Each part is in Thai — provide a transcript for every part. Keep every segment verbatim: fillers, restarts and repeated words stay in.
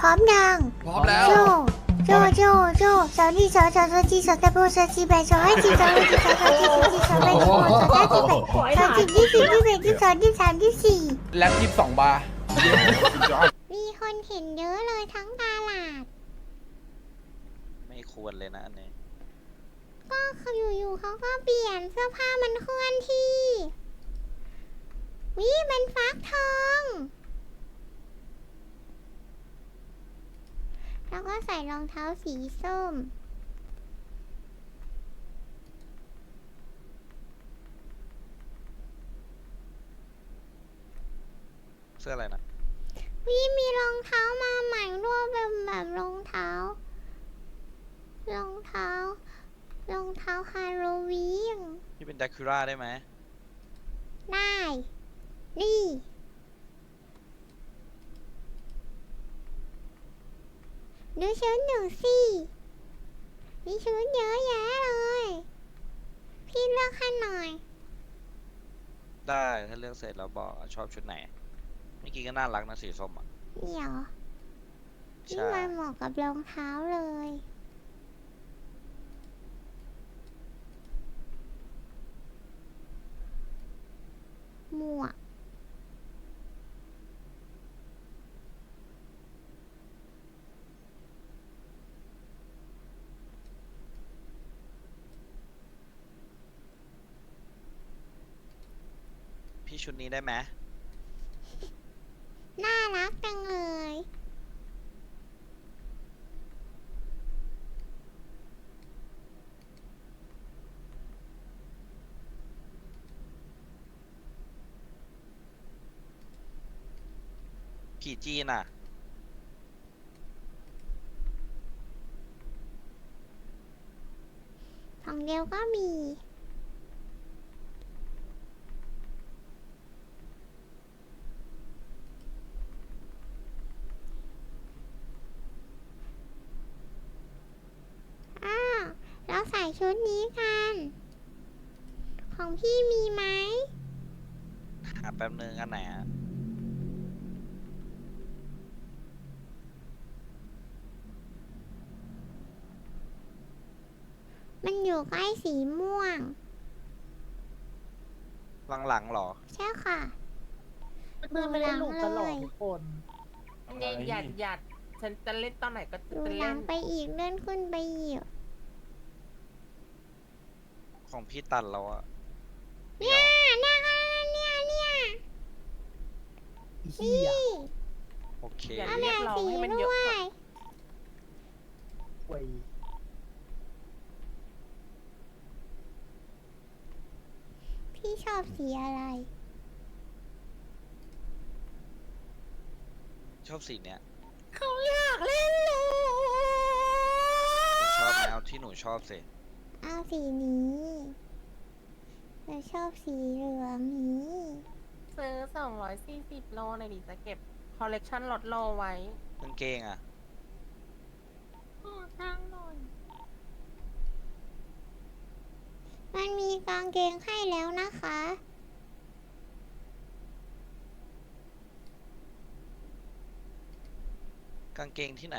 ร้อมยังพร้อมแล้วโจโจโจโจสาวนี่สาวสาวสาวจีสาวตะโบสาวจีแบสาวให้จีสาวให้จีสาวสาวจีสาวจีสาวแบสาวสาวจีแบสาวจีที่สี่ที่แบที่สองที่สามที่สี่แล็บยี่สิบสองบาร์มีคนเห็นเยอะเลยทั้งตลาดไม่ควรเลยนะอันนี้ก็เขาอยู่ๆเขาก็เปลี่ยนเสื้อผ้ามันเคลื่อนที่วิเป็นฟักทองแล้วก็ใส่รองเท้าสีส้มเสื้ออะไรนะวิมีรองเท้ามาใหม่ด้วยเป็นแบบรองเท้า รองเท้า รองเท้าฮาโลวีนพี่เป็นแดคูร่าได้ไหมได้ นี่ดูชุดหนูสิมีชุดเยอะแยะเลย พี่เลือกให้หน่อยได้ถ้าเลือกเสร็จแล้วบอกชอบชุดไหนเมื่อกี้ก็น่ารักนะสีส้มอ่ะเดี๋ยวนี่ใช่มันเหมาะกับรองเท้าเลย หมวกพี่ชุดนี้ได้ไหมน่ารักจังเลยกี่จีนอ่ะของเดียวก็มี อ้าว เราใส่ชุดนี้กัน ของพี่มีไหมหาแป๊บนึงอันไหนอ่ะมันอยู่ใกล้สีม่วงหลังๆหรอใช่ค่ะเพื่อนไม่ได้หลุกกันหรอกเลยทุกคนอะไรหยัดหยัดฉันจะเล่นตอนไหนก็อจะยู่หลัเล่งนไปอีกเลื่อนขึ้นไปอีกของพี่ตัดแล้วอ่ะเนี่ยเนี่ยเนี่ยเนี่ยอีเหี้ยนี่โอเคอย่าเอาเรีแบยกบร้องสีให้มันด้เยอะวยเว้ยพี่ชอบสีอะไรชอบสีเนี้ยเขาอยากเล่นเลยหนูชอบไหมเอาที่หนูชอบสิเอาสีนี้เราชอบสีเหลืองนี้ซื้อสองร้อยสี่สิบโลในอยดิจะเก็บคอลเลกชันลดโลไว้กางเกงอ่ะขอทางหน่อยมันมีกางเกงให้แล้วนะคะกางเกงที่ไหน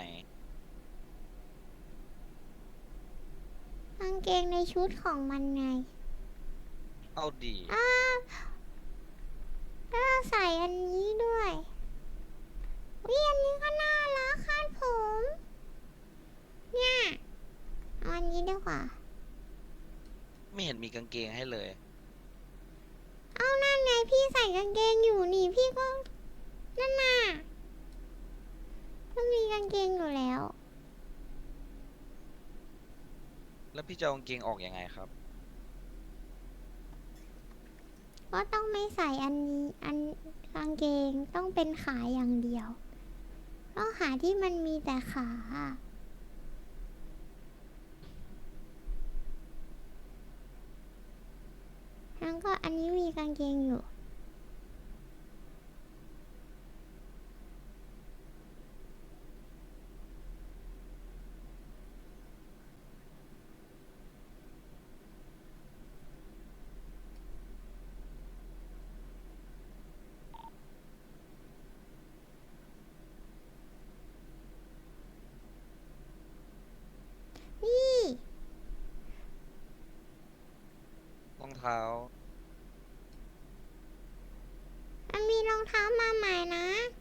กางเกงในชุดของมันไงเอาดีอ้าวก็ใส่อันนี้ด้วยวิอันนี้ก็น่ารักคาดผม เนี่ยเอาอันนี้ดีกว่าไม่เห็นมีกางเกงให้เลยเอานั่นไงพี่ใส่กางเกงอยู่นี่พี่ก็ นั่นน่ะก็มีกางเกงอยู่แล้วแล้วพี่จะเอากางเกงออกยังไงครับก็ต้องไม่ใส่อันนี้อันกางเกงต้องเป็นขาอย่างเดียว ต้องหาที่มันมีแต่ขาทั้งก็อันนี้มีกางเกงอยู่ท้ามันมีรองเท้ามาใหม่นะ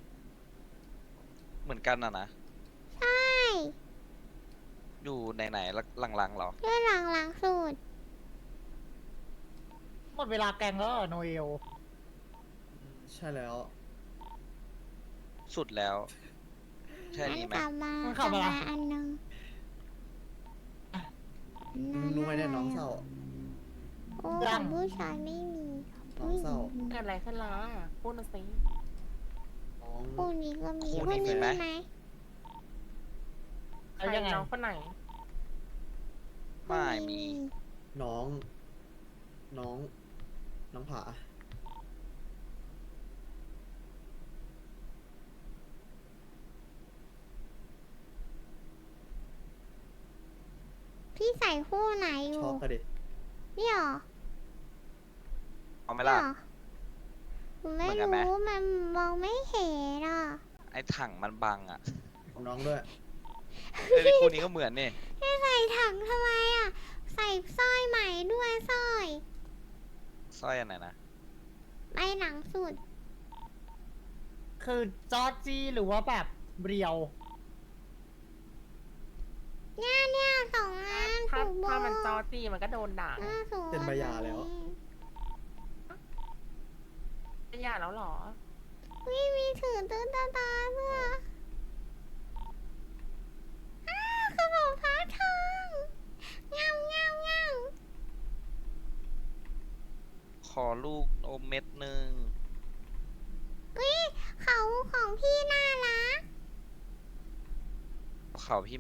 เหมือนกันนะนะใช่อยู่ไหนๆแล้วหลังๆเหรอด้วยหลังหลังสุดหมดเวลาแกงแล้วเหรอโนเอลใช่แล้วสุดแล้ว ใช่อันนี่ไหมกลับมามันกขัลับบ มามาอันหนึงมึงรู้ไหมเนี่ยน้องเศร้าโอ้ของผู้ชายไม่มีน้องเศร้าเกิดอะไรขึ้นล่ะพูดมาสิน้องคู่นี้ก็มีคู่คู่นี้นี้มีไหมมีไหมใคเอารยังไงน้องคนไหนไม่มีน้อง น้อง น้องผาพี่ใส่คู่ไหนอยู่ช็อกกันดินี่หรอเอาไหมนี่ล่ะหรอผมไม่เหมือนกันไหมรู้มันมองไม่เห็นอ่ะไอ้ถังมันบังอ่ะของน้องด้วยเอ้ยคู่นี้ก็เหมือนนี่พี่ใส่ถังทำไมอ่ะ ใส่สร้อยใหม่ด้วยสร้อยสร้อยอันไหนนะไปหนังสุดคือจอร์จี้หรือว่าแบบเรียวเนี่ยเนี่ยสองอันถ้าถูกถ้ามันจอบอกจีมันก็โดนด่าหน้าสวยเป็นใบหย่าแล้วจะหย่าแล้วเหรอวิมีถือตื้อตาตาเพื่ออ้าขนมฟ้าทองเงาเงาเงาขอลูกอมเม็ดหนึ่งวิเขาของพี่น่ารักเขาพี่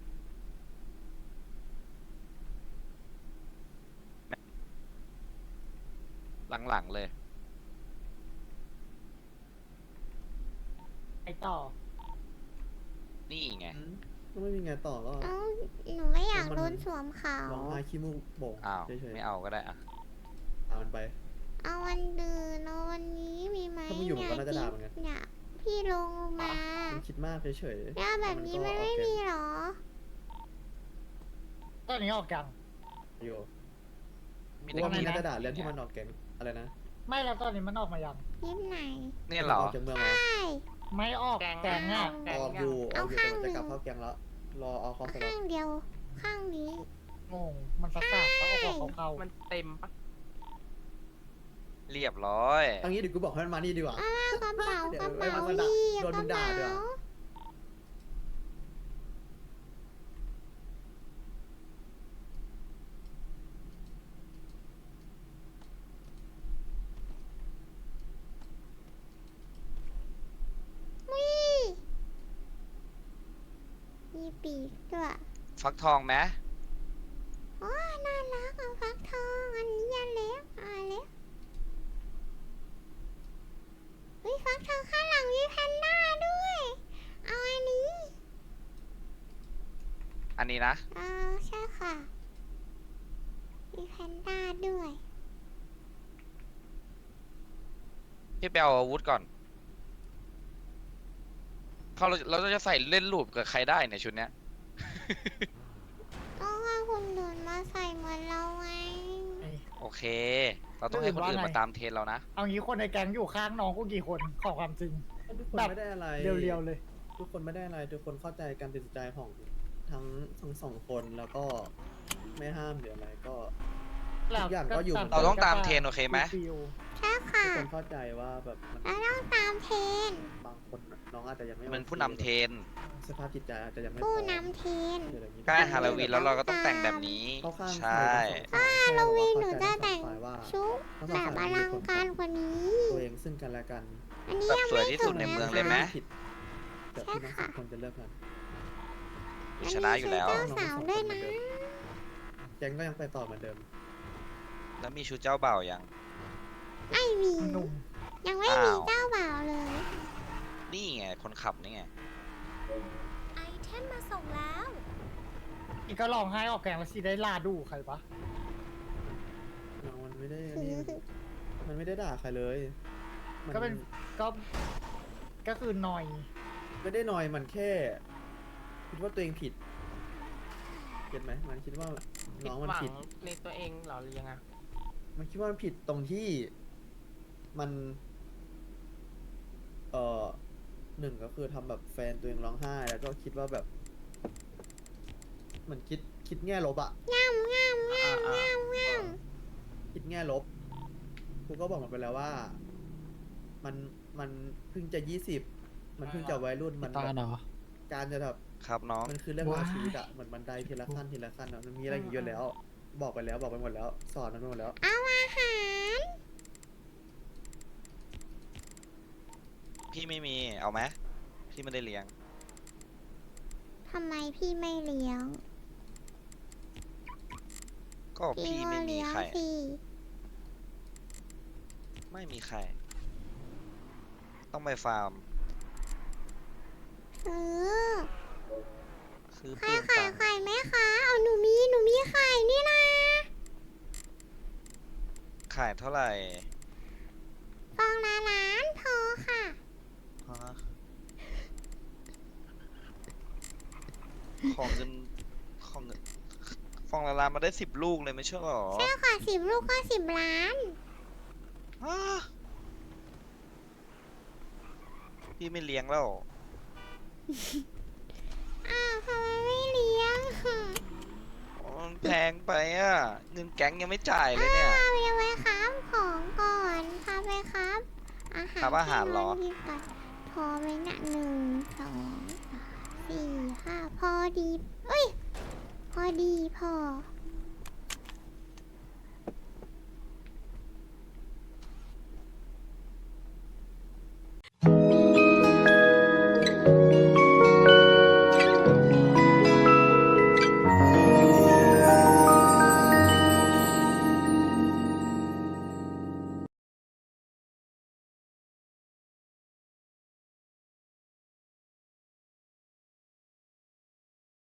หลังๆเลยไอต่อนี่ไงอืมก็ไม่มีไงต่อก็เอ้าหนูไม่อยากมันโดนสวมเขาร้องไห้ขี้มูกโป่งอ้าวเฉยไม่เอาก็ได้อะๆเอามันไปเอาวันดืนเอาวันนี้มีไหมถ้ามึงอยู่มันก็น่าจะด่าเหมือนกันเนี่ยพี่ลงมามันคิดมากเฉยๆเนี่ยแบบนี้มันก็ไม่โอเคมีหรอตอนนี้ออกยังอยู่มีกูแต่ว่ามันกินน่าจะด่าเรื่องที่มันออกแกงอะไรนะไม่แล้วตอนนี้มันออกมายังยิบไหนเนี่ยเหรอออกจากเมืองใชเหรอ่ไม่ออกแกงแกงอ่ะแกงออกยัอง ยู่ออกอยู่เอาแต่มันจะข้างกลับเข้าแกงแล้ว รอเอาคอสล็อข้าตงเดียว ข้างนี้งง มันประสาทเขาเอาของเขามันเต็มปะเรียบร้อยเอางี้เดี๋ยวกูบอกให้มันมานี่ดีกว่าอ้าวกระเป๋าเดี๋ยวกระไว้เป๋ามันมาด่าดีโดนกมึระงด่าเป๋าด้วยอะวิมีปีกด้วยฟักทองไหมอ๋อน่ารักอ่ะฟักทองอันนี้ยันเล็กอ่ะเล็กวิฟักทองข้างหลังมีแพนด้าด้วย เอาอันนี้อันนี้นะเออใช่ค่ะ มีแพนด้าด้วยพี่ไปเอาอาวุธก่อนเขาเราเราจะใส่เล่นรูปกับใครได้เนี่ยชุดเนี้ยก็ว่าคุณเดินมาใส่เหมือนเราไงไอ้โอเค เราต้องให้คนอื่นว่าไงมาตามเทรนเรานะเอางี้คนในแก๊งอยู่ข้างน้องกูกี่คนขอความจริงทุกคนแบบไม่ได้อะไรเรียวๆเลยทุกคนไม่ได้อะไร ทุกคนเข้าใจการตัดสินใจของทั้งทั้งสองคนแล้วก็ไม่ห้ามหรืออะไรก็ ทุกอย่างก็อยู่เหมือนเราต้องตามเทรนโอเคไหมฟิลใช่ค่ะทุกคนเข้าใจว่าแบบมันเราต้องตามเทรนบางคนน้องอาจจะยังไม่มันโอคผู้นำเทรนสภาพจิตใจอาจจะยังไม่ผู้พร้อมนำเทรนเดี๋ยวอย่างนี้ใกล้ฮาโลวีนแล้วเราก็ต้องแต่งแบบนี้เข้าข้างใช่ถ้าฮาโลวีนหนูจะแต่งว่าชุดแบบอลังการกว่านี้ตัวเองซึ่งกันและกันอันนี้แบบยังสวยไม่ที่จสุบดในนะเมืองคะเลยไหมผิดแต่ที่ทั้งสองคนจะเลิกกันอันชนี้นะอยู่แล้วชุดเจ้าสาวด้วยนะแกงก็ยังไปต่อเหมือนเดิมแล้วมีชุดเจ้าบ่าวยังไม่มีหนุ่มยังไม่มีอ้าวเจ้าบ่าวเลยนี่ไงคนขับนี่ไงไอเทมมาส่งแล้วอีกก็ร้องไห้ออกแกงแล้วสิได้ลาดูใครปะน้องมันไม่ได้นี่มันไม่ได้ด่าใครเลยมัก็เป็นก็ก็คือหน่อยไม่ได้นอยมันแค่ คิดว่าตัวเองผิดเก็ตไหมมันคิดว่าผิดน้องมันหวังผิดในตัวเองเหรอหรือยังไงมันคิดว่ามันผิดตรงที่มัน เอ่อหนึ่งก็คือทำแบบแฟนตัวเองร้องไห้ แล้วก็คิดว่าแบบเหมือนคิดคิดแง่ลบอะงามงามงามงามงามคิดแง่ลบครูก็บอกมันไปแล้วว่า มันมันเพิ่งจะยี่สิบมันเพิ่งจะวัยรุ่นมันตาแบบเนาะการจะแบบครับน้องมันคือเรื่องราวว้ายชีวิตอะเหมือนบันไดทีละขั้นทีละขั้นอะมันมีอะไรอีกเยอะแล้ว บอกไปแล้วบอกไปหมดแล้ว สอนมันไปหมดแล้วเอาอาหารพี่ไม่มี เอาไหมพี่ไม่ได้เลี้ยงทำไมพี่ไม่เลี้ยงก็พี่พี่ก็ไม่มีเลี้ยงไข่สิไม่มีไข่ ต้องไปฟาร์มเออซื้อใครปืนขายตังค์ไข่ไหมคะ เอาหนูมีหนูมีไข่นี่นะขายเท่าไหร่ฟองละล้านพอค่ะฮะของเงินของเงินฟองละลานมาได้สิบลูกเลยไม่ใช่หรอใช่ค่ะสิบลูกก็สิบล้านฮะพี่ไม่เลี้ยงแล้วอ้าวทำไมไม่เลี้ยงมันแพงไปอ่ะ เงินแก๊งยังไม่จ่ายเลยเนี่ยอ้าวยังไว้ครับของก่อนพาไปครับ อาหารครับอาหารเหรอที่นนกินก่อนพอไหมนะหนึ่งสองสามสี่ห้าพอดี เอ้ย พอดีพอ